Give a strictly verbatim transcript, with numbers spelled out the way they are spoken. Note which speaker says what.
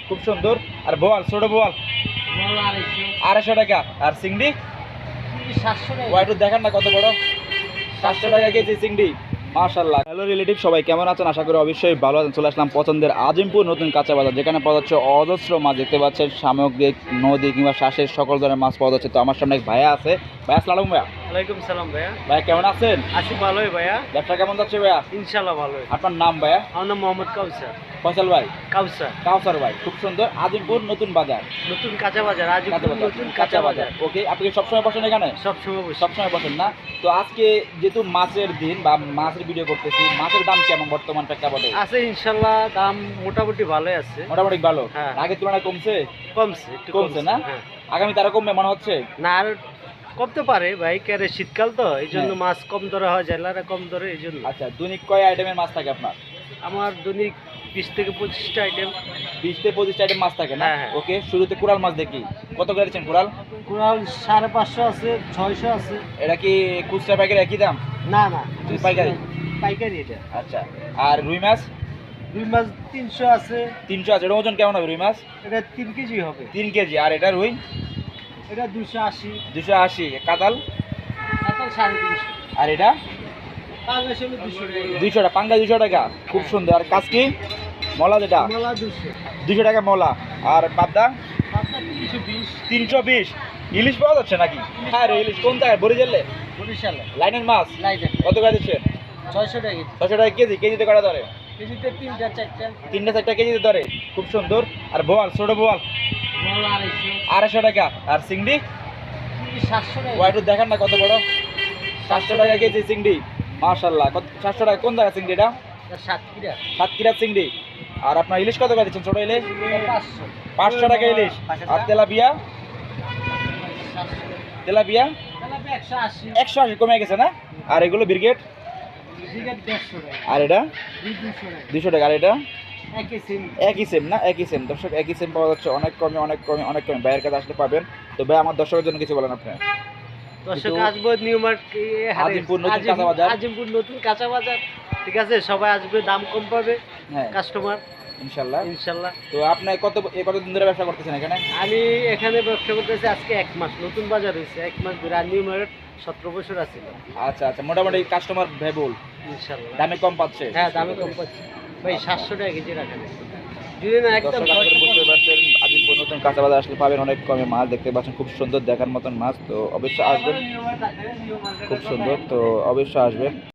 Speaker 1: খুব সুন্দর। আর বোয়াল, ছোট বোয়াল আড়াইশো টাকা। আর চিংড়ি
Speaker 2: সাতশো টাকা।
Speaker 1: ওয়াইটু দেখান না কত বড়, সাতশো টাকা কেজি চিংড়ি। মাশাআল্লাহ। হ্যালো রিলেটিভ, সবাই কেমন আছেন? আশা করি অবশ্যই ভালো আছেন। চলে আসলাম পছন্দের আজিমপুর নতুন কাঁচা বাজার, যেখানে পাওয়া যাচ্ছে অজস্র মাছ। দেখতে পাচ্ছেন সামুদ্রিক, নদী কিংবা শ্বাসের সকল ধরনের মাছ পাওয়া যাচ্ছে। তো আমার সামনে এক ভাইয়া আছে। ভাইয়া আসসালাম। ভাইয়া
Speaker 2: ওয়ালাইকুম সালাম ভাইয়া।
Speaker 1: ভাইয়া কেমন আছেন?
Speaker 2: আছি ভালোই ভাইয়া।
Speaker 1: ব্যবসা কেমন যাচ্ছে ভাইয়া?
Speaker 2: ইনশাআল্লাহ ভালোই।
Speaker 1: আপনার নাম ভাইয়া?
Speaker 2: আমার নাম মোহাম্মদ কাউসার।
Speaker 1: ফয়সাল ভাই?
Speaker 2: কাউসার।
Speaker 1: কাউসার ভাই, খুব সুন্দর। আজিমপুর নতুন বাজার,
Speaker 2: নতুন কাঁচা বাজার। আজ
Speaker 1: কাঁচা বাজার,
Speaker 2: নতুন কাঁচা বাজার।
Speaker 1: ওকে, আপনি কি সবসময় বসেন এখানে?
Speaker 2: সব সময় বসি।
Speaker 1: সবসময় বসেন না? তো আজকে যেহেতু মাছের দিন বা মাছের ভিডিও করতেছি, মাছের দাম কেমন বর্তমান প্রেক্ষাপটে?
Speaker 2: আছে ইনশাআল্লাহ, দাম মোটামুটি ভালোই আছে।
Speaker 1: মোটামুটি ভালো।
Speaker 2: হ্যাঁ।
Speaker 1: আগের তুলনায় কমছে?
Speaker 2: কমছে, একটু
Speaker 1: কমছে না?
Speaker 2: হ্যাঁ।
Speaker 1: আগামী তারা কমবে মনে হচ্ছে?
Speaker 2: না, আর কমতে পারে ভাই, কেরে শীতকাল তো এই জন্য
Speaker 1: হ্যাঁ।
Speaker 2: মাছ কম ধরে হয়, জেলারা কম ধরে এই জন্য।
Speaker 1: আচ্ছা, দৈনিক কয় আইটেমের মাছ থাকে আপনার?
Speaker 2: আমার দৈনিক বিশ থেকে পঁচিশটা আইটেম।
Speaker 1: বিশ থেকে পঁচিশটা আইটেম মাছ থাকে না?
Speaker 2: হ্যাঁ, হ্যাঁ।
Speaker 1: ওকে, শুরুতে কোরাল মাছ দেখি। কত করে দিচ্ছেন কোরাল?
Speaker 2: কুড়াল সাড়ে পাঁচশো আছে, ছয়শো আছে।
Speaker 1: এটা কি খুচরা পাইকারি একই দাম?
Speaker 2: না না,
Speaker 1: পাইকারি?
Speaker 2: পাইকারি এটা।
Speaker 1: আচ্ছা। আর রুই মাছ?
Speaker 2: রুই মাছ তিনশো আছে।
Speaker 1: তিনশো আছে। এটা ওজন কেমন হবে রুই মাছ?
Speaker 2: এটা তিন কেজি হবে।
Speaker 1: তিন কেজি। আর এটা রুই?
Speaker 2: এটা দুশো আশি।
Speaker 1: দুশো আশি। কাতাল?
Speaker 2: কাতাল সাড়ে তিনশো।
Speaker 1: আর এটা
Speaker 2: পাঁচ হলো দুশো টাকা।
Speaker 1: দুইশো টাকা। পাঙ্গা দুশো টাকা, খুব সুন্দর। আর কাজকি মলা যেটা
Speaker 2: কমলা দুশো।
Speaker 1: দুশো টাকা মলা। আর পাবদা
Speaker 2: পাবদা তিনশো বিশ।
Speaker 1: তিনশো বিশ। ইলিশ পাওয়া যাচ্ছে নাকি? হ্যাঁ রে, ইলিশ কোন জায়গায়? বরিশালে?
Speaker 2: বরিশালে।
Speaker 1: লাইনের মাছ
Speaker 2: লাইটেন।
Speaker 1: কত করে দিচ্ছেন?
Speaker 2: ছয়শো টাকা কেজি।
Speaker 1: ছশো টাকা কেজি। কেজিতে কটা ধরে?
Speaker 2: কেজিতে তিনটা চারটা।
Speaker 1: তিনটা চারটা কেজিতে ধরে, খুব সুন্দর। আর বোয়াল, ছোট বোয়াল
Speaker 2: কমলা আড়াইশো।
Speaker 1: আড়াইশো টাকা। আর চিংড়ি
Speaker 2: সাতশো টাকা।
Speaker 1: ওয়াইটু দেখান না কত বড়, সাতশো টাকা কেজি চিংড়ি। মাশাআল্লাহ। কত? সাতশো টাকা। কোন জায়গা চিংড়িটা?
Speaker 2: সাতক্ষীরা।
Speaker 1: সাতক্ষীরা চিংড়ি। আর আপনার ইলিশ কত করে দিচ্ছেন? ছোট ইলিশ
Speaker 2: পাঁচশো।
Speaker 1: পাঁচশো টাকা ইলিশ। আর তেলাপিয়া? তেলাপিয়া
Speaker 2: তেলাপিয়া একশো আশি।
Speaker 1: একশো আশি। কমে গেছে না? আর এগুলো ব্রিগেড?
Speaker 2: ব্রিগেড দেড়শো টাকা।
Speaker 1: আর এটা
Speaker 2: দুশো টাকা।
Speaker 1: দুশো টাকা। আর এটা
Speaker 2: একই সেম।
Speaker 1: একই সেম না? একই সেম। দর্শক, একই সেম পাওয়া যাচ্ছে। অনেক কমে, অনেক কমে, অনেক কমে। ভাইয়ের কাছে আসলে পাবেন। তো ভাই, আমার দর্শকের জন্য কিছু বলেন আপনি।
Speaker 2: দর্শক
Speaker 1: কিন্তু
Speaker 2: আসবো নিউ মার্কেট,
Speaker 1: আজিমপুর নতুন কাঁচা বাজার।
Speaker 2: আজিমপুর নতুন কাঁচা বাজার। ঠিক আছে, সবাই আসবে, দাম কম পাবে
Speaker 1: হ্যাঁ,
Speaker 2: কাস্টমার
Speaker 1: ইনশাল্লাহ।
Speaker 2: ইনশাল্লাহ।
Speaker 1: তো আপনি কত এ কতদিন ধরে ব্যবসা করতেছেন এখানে?
Speaker 2: আমি এখানে ব্যবসা করতেছি আজকে এক মাস। নতুন বাজার হয়েছে এক মাস ধরে। আর নিউ মার্কেট সতেরো বছর আছে।
Speaker 1: আচ্ছা আচ্ছা, মোটামুটি কাস্টমার ভেবুল,
Speaker 2: ইনশাল্লাহ।
Speaker 1: দামে কম পাচ্ছে?
Speaker 2: হ্যাঁ, দামে কম পাচ্ছি ভাই। সাতশো টাকা কেজি রাখেন যদি না একদম।
Speaker 1: দর্শক, আপনারা বুঝতে পারছেন, আজিমপুর নতুন কাঁচা বাজার আসলে পাবেন অনেক কমে মাছ। দেখতে পাচ্ছেন খুব সুন্দর, দেখার মতন মাছ। তো অবশ্যই আসবেন, খুব সুন্দর। তো অবশ্যই আসবেন।